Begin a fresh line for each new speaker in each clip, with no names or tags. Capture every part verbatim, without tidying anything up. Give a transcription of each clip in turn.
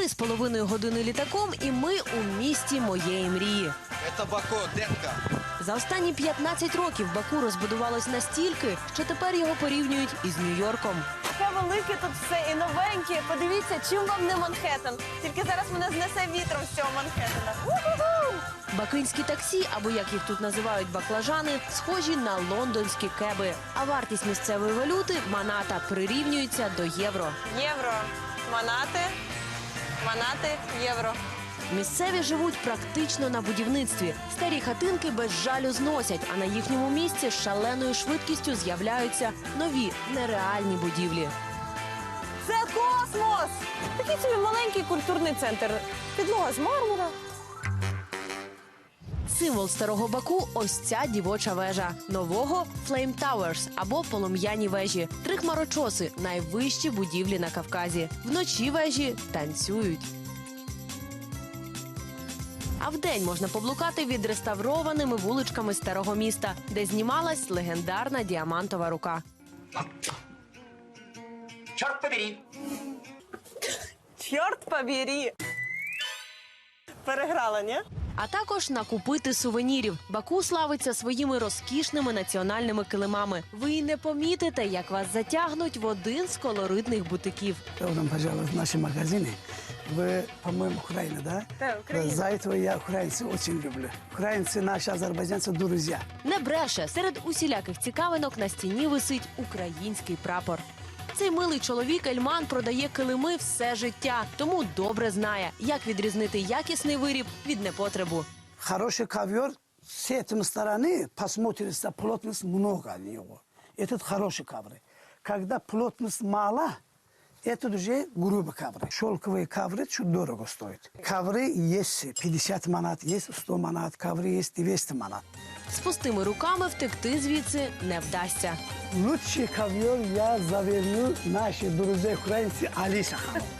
Три з половиною години літаком, і ми у місті моєї мрії.
Це Баку, детка.
За останні п'ятнадцять років Баку розбудувалось настільки, що тепер його порівнюють із Нью-Йорком.
Таке велике тут все і новеньке. Подивіться, чим вам не Манхеттен. Тільки зараз мене знесе вітром з цього Манхеттена. У-ху-ху!
Бакинські таксі, або як їх тут називають баклажани, схожі на лондонські кеби. А вартість місцевої валюти – маната – прирівнюється до євро.
Євро. Манати. Манати. Євро.
Місцеві живуть практично на будівництві. Старі хатинки без жалю зносять, а на їхньому місці з шаленою швидкістю з'являються нові нереальні будівлі.
Це космос! Такий собі маленький культурний центр. Підлога з мармура.
Символ старого Баку – ось ця дівоча вежа. Нового – Flame Towers або полум'яні вежі. Три хмарочоси – найвищі будівлі на Кавказі. Вночі вежі танцюють. А вдень можна поблукати відреставрованими вуличками старого міста, де знімалась легендарна діамантова рука.
Чорт побери!
Чорт побери! Переграла, ні?
А також накупити сувенірів. Баку славиться своїми розкішними національними килимами. Ви й не помітите, як вас затягнуть в один з колоритних бутиків.
Добрым пожаловать в наши магазины. Вы, по-моему, Украина, да?
Да, Украина.
За этого я украинцев очень люблю. Украинцы, наши азербайджанцы, друзья.
Не бреше, серед усіляких цікавинок на стіні висить український прапор. Цей милий чоловік Ельман продає килими все життя, тому добре знає, як відрізнити якісний виріб від непотребу.
Хороший ковер, с этой стороны посмотрится, плотность много у него. Этот хороший ковры. Когда плотность мала, это уже грубый ковры. Шелковые ковры чуть дорого стоят. Ковры есть пятьдесят манат, есть сто манат, ковры есть двести манат.
З пустими руками втекти звідси не вдасться.
Лучший ковер я заверну наши друзья украинцы Алиса.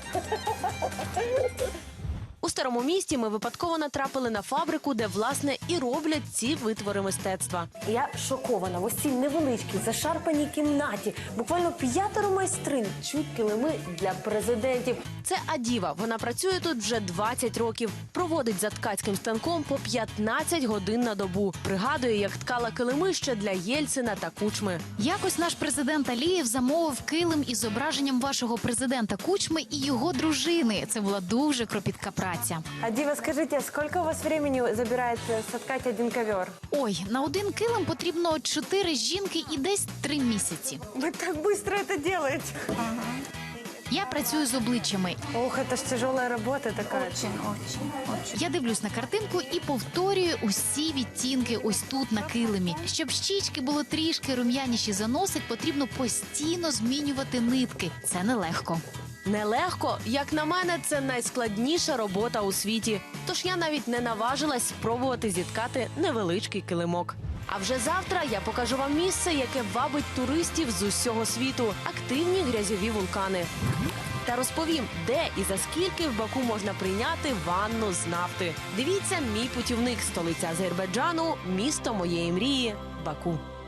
У старому місті ми випадково натрапили на фабрику, де, власне, і роблять ці витвори мистецтва.
Я шокована. В ось цій невеличкій, зашарпаній кімнаті. Буквально п'ятеро майстринь чуть килими для президентів.
Це Адіва. Вона працює тут вже двадцять років. Проводить за ткацьким станком по п'ятнадцять годин на добу. Пригадує, як ткала килими ще для Єльцина та Кучми.
Якось наш президент Алієв замовив килим із зображенням вашого президента Кучми і його дружини. Це була дуже кропітка праця.
Адіва, скажіть, скільки у вас времени забирає соткати один ковер?
Ой, на один килим потрібно чотири жінки і десь три місяці.
Ви так швидко це робите.
Я працюю з обличчями.
Ох, це ж тяжела робота така.
Очень, очень, очень. Я дивлюсь на картинку і повторюю усі відтінки ось тут на килимі. Щоб щічки було трішки рум'яніші за носик, потрібно постійно змінювати нитки. Це нелегко.
Нелегко, як на мене, це найскладніша робота у світі. Тож я навіть не наважилась спробувати зіткати невеличкий килимок. А вже завтра я покажу вам місце, яке вабить туристів з усього світу – активні грязьові вулкани. Та розповім, де і за скільки в Баку можна прийняти ванну з нафти. Дивіться «Мій путівник», столиця Азербайджану, місто моєї мрії – Баку.